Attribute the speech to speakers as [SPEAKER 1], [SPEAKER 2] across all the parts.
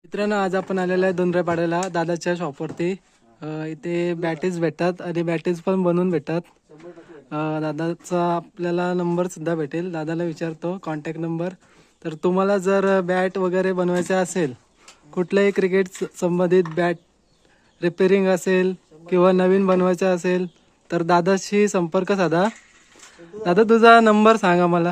[SPEAKER 1] मित्रांनो, आज आपण आलेलो आहे दोनरेपाड्याला दादाच्या शॉपवरती. इथे बॅटेज भेटतात आणि बॅटेज पण बनवून भेटतात. दादाचा आपल्याला नंबर सुद्धा भेटेल. दादाला विचारतो कॉन्टॅक्ट नंबर. तर तुम्हाला जर बॅट वगैरे बनवायचे असेल, कुठल्याही क्रिकेट संबंधित बॅट रिपेअरिंग असेल किंवा नवीन बनवायचं असेल तर दादाशी संपर्क साधा. दादा, तुझा नंबर सांगा मला.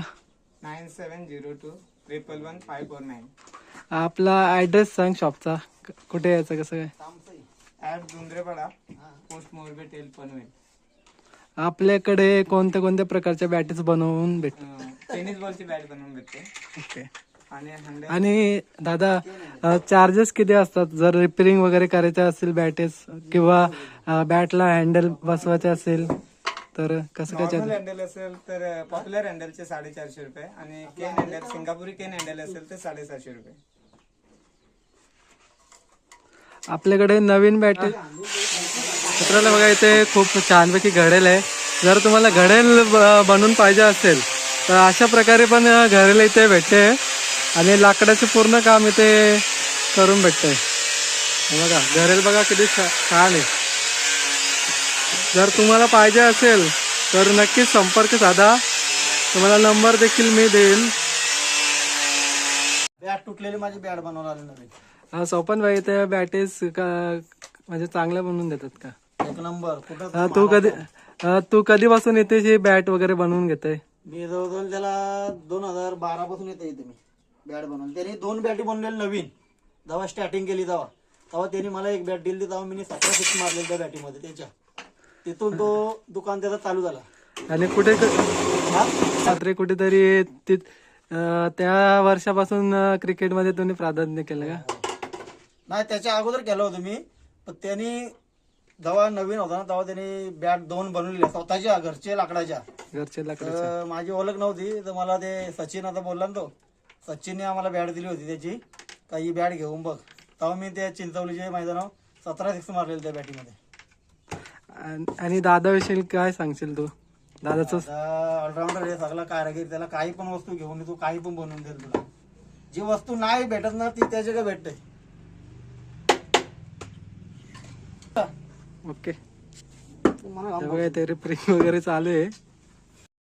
[SPEAKER 2] 9702111549.
[SPEAKER 1] आपला ॲड्रेस सांग शॉपचा. कुठे यायचं, कसं काय?
[SPEAKER 2] दुंद्रेपाडा, पोस्ट मोरबे, टेल पनवेल.
[SPEAKER 1] आपल्याकडे कोणत्या कोणत्या प्रकारच्या बॅटेज बनवून भेटतात?
[SPEAKER 2] टेनिस बॉलची बॅट बनवून भेटते.
[SPEAKER 1] ओके.
[SPEAKER 2] आणि
[SPEAKER 1] आणि दादा, चार्जेस किती असतात जर रिपेअरिंग वगैरे करायचं असेल बॅटेज किंवा बॅटला हँडल बसवायचे असेल तर कसं काय
[SPEAKER 2] नॉर्मल हँडल असेल तर पॉप्युलर हँडलचे 450 रुपये आणि केन हँडल, सिंगापुरी केन हँडल असेल तर 750 रुपये.
[SPEAKER 1] आपल्याकडे नवीन बॅटेज मित्रांनो बघा, इथे खूप छानपैकी घडेल आहे. जर तुम्हाला घडेल बनवून पाहिजे असेल तर अशा प्रकारे पण घडेल इथे भेटते आणि लाकडाचे पूर्ण काम इथे करून भेटते. बघा घडेल, बघा किती छान आहे. जर तुम्हाला पाहिजे असेल तर नक्कीच संपर्क साधा. तुम्हाला नंबर देखील मी देईल.
[SPEAKER 3] बॅट तुटलेली माझी बॅट बनवून आली नवीन.
[SPEAKER 1] सोपन भाई, ते बॅटेज म्हणजे चांगल्या बनवून देतात का?
[SPEAKER 3] एक नंबर. कुठं
[SPEAKER 1] तू कधीपासून येते ही बॅट वगैरे बनवून घेते?
[SPEAKER 3] मी जवळजवळ त्याला 2012 पासून येते इथे मी बॅट बनवून. त्यांनी 2 बॅटी बनवलेल्या नवीन. जेव्हा स्टार्टिंग केली तेव्हा त्यांनी मला एक बॅट दिली. तेव्हा मी 17 सिक्स मारले त्या बॅटीमध्ये त्याच्या. तिथून तो दुकान त्याचा चालू झाला.
[SPEAKER 1] आणि कुठे रात्री कुठेतरी त्या वर्षापासून क्रिकेटमध्ये तुम्ही प्राधान्य केलं का?
[SPEAKER 3] नाही, त्याच्या अगोदर केलं होतं मी. पण त्यांनी जेव्हा नवीन होता ना तेव्हा त्यांनी बॅट 2 बनवलेल्या स्वतःच्या घरचे लाकडाच्या.
[SPEAKER 1] घरचे
[SPEAKER 3] माझी ओळख नव्हती तर मला ते सचिन आता बोलला ना, तो सचिनने आम्हाला बॅट दिली होती त्याची, का ही बॅट घेऊन बघ. तेव्हा मी त्या चिंचवलीचे मैदानावर 17 सिक्स मारलेले त्या बॅटीमध्ये.
[SPEAKER 1] आणि दादाविषयी काय सांगशील तू? दादाचं
[SPEAKER 3] ऑलराऊंडर आहे, सगळा कारागीर. त्याला काही पण वस्तू घेऊन तू काही पण बनवून देईल तुला. जी वस्तू नाही भेटत ना ती त्याच्याकडे भेटते.
[SPEAKER 1] ओके. ते रिपेअरिंग वगैरे चालू आहे.